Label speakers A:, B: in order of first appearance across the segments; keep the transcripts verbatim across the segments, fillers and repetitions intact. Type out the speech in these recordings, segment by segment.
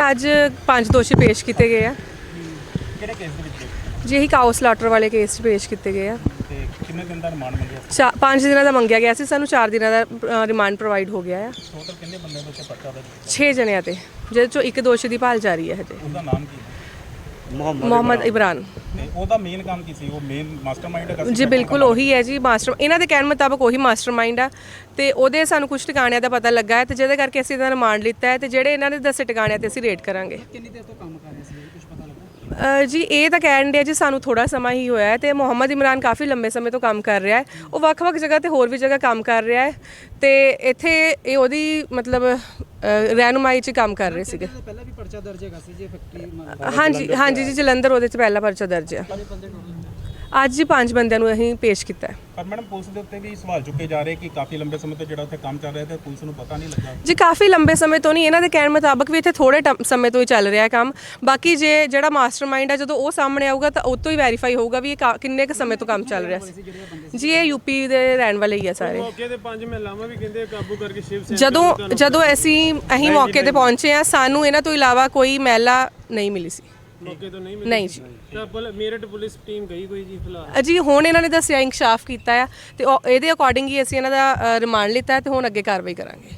A: ਅੱਜ ਪੰਜ ਦੋਸ਼ੀ ਪੇਸ਼ ਕੀਤੇ ਗਏ ਆ।
B: ਕਿਹੜੇ ਕੇਸ ਦੇ ਵਿੱਚ
A: ਜੀ ਇਹੀ ਕਾਓ ਸਲਾਟਰ ਵਾਲੇ ਕੇਸ 'ਚ ਪੇਸ਼ ਕੀਤੇ ਗਏ ਆ।
B: ਤੇ ਕਿੰਨੇ ਦਿਨ ਦਾ ਰਿਮਾਂਡ ਮੰਗਿਆ?
A: ਚਾ ਪੰਜ ਦਿਨਾਂ ਦਾ ਮੰਗਿਆ ਗਿਆ ਸੀ, ਸਾਨੂੰ ਚਾਰ ਦਿਨਾਂ ਦਾ ਰਿਮਾਂਡ ਪ੍ਰੋਵਾਈਡ ਹੋ ਗਿਆ ਆ।
B: ਟੋਟਲ ਕਿੰਨੇ ਬੰਦਿਆਂ ਦੇ ਉੱਤੇ ਪਰਚਾ ਦਰਜ?
A: ਛੇ ਜਣਿਆਂ ਤੇ, ਜਿਹਦੇ ਚੋਂ ਇੱਕ ਦੋਸ਼ੀ ਦੀ ਭਾਲ ਜਾਰੀ ਹੈ ਹਜੇ।
B: ਉਹਦਾ ਨਾਮ ਕੀ ਹੈ?
A: ਮੁਹੰਮਦ ਇਮਰਾਨ।
B: ਤੇ ਉਹਦਾ ਮੇਨ ਕੰਮ ਕੀ ਸੀ? ਉਹ ਮੇਨ ਮਾਸਟਰਮਾਈਂਡ ਹੈ?
A: ਜੀ ਬਿਲਕੁਲ ਉਹੀ ਹੈ ਜੀ, ਮਾਸਟਰ ਇਹਨਾਂ ਦੇ ਕਹਿਣ ਮੁਤਾਬਕ ਉਹੀ ਮਾਸਟਰਮਾਈਂਡ ਆ। ਤੇ ਉਹਦੇ ਸਾਨੂੰ ਕੁਝ ਟਿਕਾਣਿਆਂ ਦਾ ਪਤਾ ਲੱਗਾ ਹੈ ਤੇ ਜਿਹਦੇ ਕਰਕੇ ਅਸੀਂ ਇਹਦਾ ਰਿਮਾਂਡ ਲਿੱਤਾ ਹੈ ਤੇ ਜਿਹੜੇ ਇਹਨਾਂ ਦੇ ਦੱਸੇ ਟਿਕਾਣਿਆਂ ਤੇ ਅਸੀਂ ਰੇਡ ਕਰਾਂਗੇ।
B: ਕਿੰਨੀ ਦੇਰ ਤੋਂ ਕੰਮ ਕਰ ਰਹੇ ਸੀ, ਕੁਝ ਪਤਾ ਲੱਗਾ?
A: ਜੀ ਇਹ ਤਾਂ ਕਹਿਣ ਦੇ ਜੀ ਸਾਨੂੰ ਥੋੜਾ ਸਮਾਂ ਹੀ ਹੋਇਆ ਹੈ ਤੇ ਮੁਹੰਮਦ ਇਮਰਾਨ ਕਾਫੀ ਲੰਬੇ ਸਮੇਂ ਤੋਂ ਕੰਮ ਕਰ ਰਿਹਾ ਹੈ। ਉਹ ਵੱਖ-ਵੱਖ ਜਗ੍ਹਾ ਤੇ ਹੋਰ ਵੀ ਜਗ੍ਹਾ ਕੰਮ ਕਰ ਰਿਹਾ ਹੈ ਤੇ ਇੱਥੇ ਇਹ ਉਹਦੀ ਮਤਲਬ ਰਹਿਨੁਮਾਈ 'ਚ ਕੰਮ ਕਰ ਰਹੇ ਸੀਗੇ।
C: ਪਹਿਲਾਂ ਵੀ ਪਰਚਾ ਦਰਜ ਹੈਗਾ ਸੀ ਜੀ ਫੈਕਟਰੀ?
A: ਹਾਂਜੀ ਹਾਂਜੀ ਜੀ, ਜਲੰਧਰ ਉਹਦੇ 'ਚ ਪਹਿਲਾ ਪਰਚਾ ਦਰਜ ਹੈ। ਅੱਜ ਹੀ ਪੰਜ ਬੰਦਿਆਂ ਨੂੰ ਅਸੀਂ ਪੇਸ਼ ਕੀਤਾ ਹੈ।
B: ਪਰ ਮੈਡਮ ਪੁਲਿਸ ਦੇ ਉੱਤੇ ਵੀ ਸਵਾਲ ਚੁੱਕੇ ਜਾ ਰਹੇ ਕਿ ਕਾਫੀ ਲੰਬੇ ਸਮੇਂ ਤੋਂ ਜਿਹੜਾ ਉੱਥੇ ਕੰਮ ਚੱਲ ਰਿਹਾ ਤੇ ਪੁਲਿਸ ਨੂੰ ਪਤਾ ਨਹੀਂ ਲੱਗਾ।
A: ਜੀ ਕਾਫੀ ਲੰਬੇ ਸਮੇਂ ਤੋਂ ਨਹੀਂ, ਇਹਨਾਂ ਦੇ ਕਹਿਣ ਮੁਤਾਬਕ ਵੀ ਇੱਥੇ ਥੋੜੇ ਸਮੇਂ ਤੋਂ ਹੀ ਚੱਲ ਰਿਹਾ ਕੰਮ। ਬਾਕੀ ਜੇ ਜਿਹੜਾ ਮਾਸਟਰਮਾਈਂਡ ਹੈ ਜਦੋਂ ਉਹ ਸਾਹਮਣੇ ਆਊਗਾ ਤਾਂ ਉਹ ਤੋਂ ਹੀ ਵੈਰੀਫਾਈ ਹੋਊਗਾ ਵੀ ਇਹ ਕਿੰਨੇ ਕੁ ਸਮੇਂ ਤੋਂ ਕੰਮ ਚੱਲ ਰਿਹਾ ਸੀ। ਜੀ ਇਹ ਯੂਪੀ ਦੇ ਰਹਿਣ ਵਾਲੇ ਹੀ ਆ ਸਾਰੇ।
D: ਮੌਕੇ ਤੇ ਪੰਜ ਮਹਿਲਾਵਾਂ ਵੀ ਕਹਿੰਦੇ ਕਾਬੂ ਕਰਕੇ ਸ਼ਿਵ ਸੈਨਾ
A: ਜਦੋਂ ਜਦੋਂ ਅਸੀਂ ਅਸੀਂ ਮੌਕੇ ਤੇ ਪਹੁੰਚੇ ਆ, ਸਾਨੂੰ ਇਹਨਾਂ ਤੋਂ ਇਲਾਵਾ ਕੋਈ ਮਹਿਲਾ ਨਹੀਂ ਮਿਲੀ ਸੀ।
D: ਮੌਕੇ ਤੋਂ ਨਹੀਂ ਮਿਲੀ?
A: ਨਹੀਂ ਜੀ।
D: ਤਾਂ ਪੁਲ- ਮੇਰਠ ਪੁਲਿਸ ਟੀਮ ਗਈ ਕੋਈ ਜੀ ਫਿਲਹਾਲ?
A: ਜੀ ਹੁਣ ਇਹਨਾਂ ਨੇ ਦੱਸਿਆ ਇਨਕਸ਼ਾਫ ਕੀਤਾ ਆ ਤੇ ਉਹ- ਇਹਦੇ ਅਕੋਰਡਿੰਗ ਹੀ ਅਸੀਂ ਇਹਨਾਂ ਦਾ ਰਿਮਾਂਡ ਲਿੱਤਾ ਹੈ ਤੇ ਹੁਣ ਅੱਗੇ ਕਾਰਵਾਈ ਕਰਾਂਗੇ।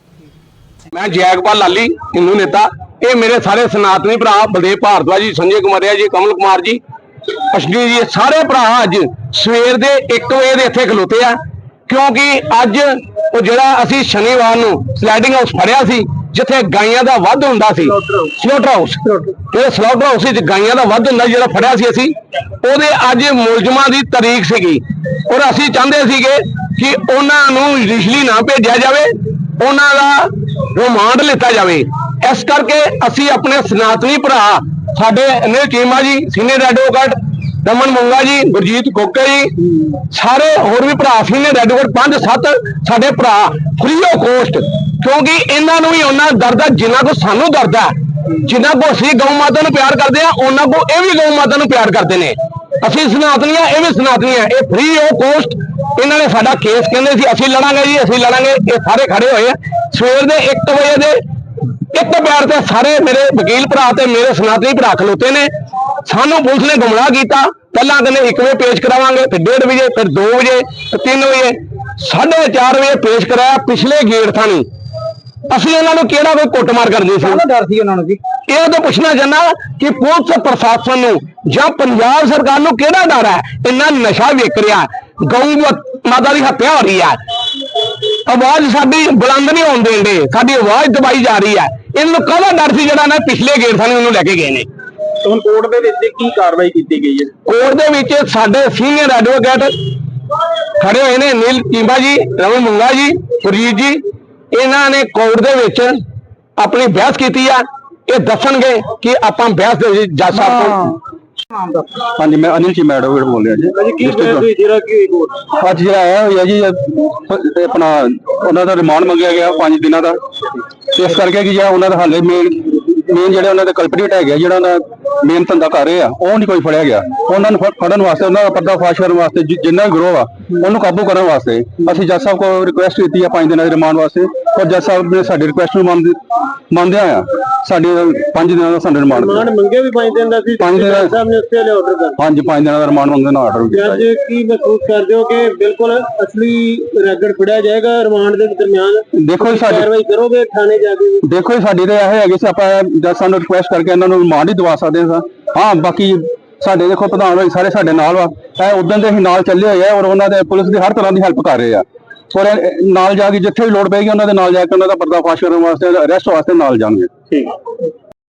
E: मैं जयगोपाल लाली हिंदू नेता, ये मेरे सारे सनातनी भरा बलदेव भारद्वाज जी, संजय कुमारिया जी, कमल कुमार जी, अश्विनी जी, सारे भरा अज सवेर दे एक बजे दे इत्थे खलोते आ क्योंकि अज वो जिहड़ा असीं शनिवार नूं स्लाइडिंग हाउस फड़िया सी जिथे गाइयां दा वध हुंदा सी, स्लॉटर हाउस जिहड़ा स्लॉटर हाउस विच गाइयां दा वध हुंदा जिहड़ा फड़िया सी असीं ओहदे अज मुलजमां दी तारीख सीगी और असीं चाहुंदे सीगे कि उन्हां नूं जुडिशली ना भेजिया जावे, उन्हां दा रिमांड लिता जाए। इस करके असी अपने सनातनी भरा साडे अनिल चीमा जी, सीनियर एडवोकेट रमन मुंगा जी, गुरजीत कोके जी, सारे होर भी भरा सीनियर एडवोकेट पांच सत्त साडे भरा फ्री ऑफ कॉस्ट, क्योंकि इन्हां नूं भी उन्ना दर्द है जिन्ना को सानू दर्द है। जिन्ना को असी गौ माता नूं प्यार करते हैं उन्ना को ये भी गौ माता नूं प्यार करते हैं। असी सनातनी है, ये भी सनातनी है। ये फ्री ऑफ कॉस्ट इन्होंने साडा केस कहते सी असी लड़ांगे जी, असी लड़ांगे। ये सारे खड़े हुए सवेर दे एक बजे दे एक पैर ते सारे मेरे वकील भरा ते मेरे सनातनी भरा खलोते ने। सानू पुलिस ने गुमराह किया। पहला कहने एक बजे पेश करावांगे, फिर डेढ़ बजे, फिर दो बजे, फिर तीन बजे, साढ़े चार बजे पेश कराया पिछले गेट थानी। ਅਸੀਂ ਉਹਨਾਂ ਨੂੰ ਕਿਹੜਾ ਕੋਈ ਕੁੱਟਮਾਰ ਕਰਦੇ ਸੀ? ਉਹਦਾ ਡਰ ਸੀ ਉਹਨਾਂ ਨੂੰ ਜੀ। ਇਹ ਤਾਂ ਪੁੱਛਣਾ ਚਾਹੁੰਦਾ ਕਿ ਪੁਲਿਸ ਪ੍ਰਸ਼ਾਸਨ ਨੂੰ ਜਾਂ ਪੰਜਾਬ ਸਰਕਾਰ ਨੂੰ ਕਿਹੜਾ ਡਰ ਹੈ? ਇੰਨਾ ਨਸ਼ਾ ਵਿਕ ਰਿਹਾ, ਗਊ ਮਾਤਾ ਦੀ ਹੱਤਿਆ ਹੋ ਰਹੀ ਹੈ, ਆਵਾਜ਼ ਸਾਡੀ ਬੁਲੰਦ ਨਹੀਂ ਹੋਣ ਦੇਂਦੇ, ਸਾਡੀ ਆਵਾਜ਼ ਦਬਾਈ ਜਾ ਰਹੀ ਹੈ। ਇਹਨਾਂ ਨੂੰ ਕਾਹਦਾ ਡਰ ਸੀ ਜਿਹੜਾ ਨਾ ਪਿਛਲੇ ਗੇਟ ਥਾਣੀ ਉਹਨੂੰ ਲੈ ਕੇ ਗਏ ਨੇ?
F: ਹੁਣ ਕੋਰਟ ਦੇ ਵਿੱਚ ਕੀ ਕਾਰਵਾਈ ਕੀਤੀ ਗਈ ਹੈ?
E: ਕੋਰਟ ਦੇ ਵਿੱਚ ਸਾਡੇ ਸੀਨੀਅਰ ਐਡਵੋਕੇਟ ਖੜੇ ਹੋਏ ਨੇ, ਅਨਿਲ ਚੀਮਾ ਜੀ, ਰਮਨ ਮੁੰਗਾ ਜੀ, ਗੁਰਜੀਤ ਜੀ। ਇਹਨਾਂ ਨੇ ਕੋਰਟ ਦੇ ਵਿੱਚ ਆਪਣੀ ਬਹਿਸ ਕੀਤੀ ਆ। ਇਹ ਦੱਸਣਗੇ ਕਿ ਆਪਾਂ ਬਹਿਸ ਦੇ ਵਿੱਚ ਜੱਜ ਸਾਹਿਬ ਕੋਲ।
F: ਹਾਂਜੀ, ਮੈਂ ਅਨਿਲ ਚੀਮਾ ਐਡਵੋਕੇਟ ਬੋਲ ਰਿਹਾ ਜੀ। ਅੱਜ ਜਿਹੜਾ ਆਇਆ ਹੋਇਆ ਜੀ ਆਪਣਾ ਉਹਨਾਂ ਦਾ ਰਿਮਾਂਡ ਮੰਗਿਆ ਗਿਆ ਪੰਜ ਦਿਨਾਂ ਦਾ, ਇਸ ਕਰਕੇ ਕਿ ਜਿਹੜਾ ਉਹਨਾਂ ਦਾ ਹਾਲੇ ਮੇਨ ਮੇਨ ਜਿਹੜੇ ਉਹਨਾਂ ਦੇ ਕਲਪਰੇਟ ਹੈਗੇ, ਜਿਹੜਾ ਉਹਨਾਂ ਮੇਨ ਧੰਦਾ ਕਰ ਰਹੇ ਆ, ਉਹ ਨਹੀਂ ਕੋਈ ਫੜਿਆ ਗਿਆ। ਉਹਨਾਂ ਨੂੰ ਫੜਨ ਵਾਸਤੇ, ਉਹਨਾਂ ਦਾ ਪਰਦਾ ਫਾਸ਼ ਕਰਨ ਵਾਸਤੇ, ਜਿੰਨਾ ਵੀ ਗਰੋਹ ਆ ਉਹਨੂੰ ਕਾਬੂ ਕਰਨ ਵਾਸਤੇ ਅਸੀਂ ਜੱਜ ਸਾਹਿਬ ਕੋਲ ਰਿਕੁਐਸਟ ਕੀਤੀ ਆ ਪੰਜ ਦਿਨਾਂ ਦੇ ਰਿਮਾਂਡ ਵਾਸਤੇ, ਪਰ ਜੱਜ ਸਾਹਿਬ ਨੇ ਸਾਡੀ ਰਿਕੁਐਸਟ ਨੂੰ ਮੰਨਦੇ ਮੰਨਦਿਆਂ ਆ ਸਾਡੀ ਪੰਜ ਦਿਨਾਂ ਦਾ ਸਾਨੂੰ ਰਿਮਾਂਡ
D: ਮੰਗੇ ਵੀ ਪੰਜ ਦਿਨ ਦਾ ਸੀ।
F: ਪੰਜ ਦਿਨ
D: ਸਾਹਿਬ ਨੇ ਉੱਤੇ ਵਾਲੇ ਆਰਡਰ ਕਰ
F: ਹਾਂਜੀ ਪੰਜ ਦਿਨਾਂ ਦਾ ਰਿਮਾਂਡ ਮੰਗਣ ਦਾ ਆਰਡਰ ਕੀਤਾ।
D: ਅੱਜ ਕੀ ਮਹਿਸੂਸ ਕਰਦੇ ਹੋ ਕਿ ਬਿਲਕੁਲ ਅਸਲੀ ਰੈਗੜ ਫੜਿਆ ਜਾਏਗਾ? ਰਿਮਾਂਡ ਦੇ ਦਰਮਿਆਨ
F: ਦੇਖੋ ਜੀ ਸਾਡੀ
D: ਕਾਰਵਾਈ ਕਰੋਗੇ ਥਾਣੇ ਜਾ ਕੇ?
F: ਦੇਖੋ ਜੀ ਸਾਡੀ ਤਾਂ ਇਹ ਹੈਗੀ ਸੀ ਆਪਾਂ ਜੱਜ ਸਾਹਿਬ ਨੂੰ ਰਿਕੁਐਸਟ ਕਰਕੇ ਇਹਨਾਂ ਨੂੰ ਰਿਮਾਂਡ ਹੀ ਦਵਾ ਸਕਦੇ ਹਾਂ। ਹਾਂ ਬਾਕੀ ਸਾਡੇ ਦੇਖੋ ਪ੍ਰਧਾਨ ਹੋਈ ਸਾਰੇ ਸਾਡੇ ਨਾਲ ਵਾ, ਇਹ ਉਦੋਂ ਦੇ ਹੀ ਨਾਲ ਚੱਲੇ ਹੋਏ ਆ ਔਰ ਉਹਨਾਂ ਦੇ ਪੁਲਿਸ ਦੀ ਹਰ ਤਰ੍ਹਾਂ ਦੀ ਹੈਲਪ ਕਰ ਰਹੇ ਆ ਔਰ ਨਾਲ ਜਾ ਕੇ ਜਿੱਥੇ ਵੀ ਲੋੜ ਪਏਗੀ ਉਹਨਾਂ ਦੇ ਨਾਲ ਜਾ ਕੇ ਉਹਨਾਂ ਦਾ ਪਰਦਾ ਫਾਸ਼ ਕਰਨ ਵਾਸਤੇ, ਅਰੈਸਟ ਵਾਸਤੇ ਨਾਲ ਜਾਣਗੇ। ਠੀਕ ਹੈ।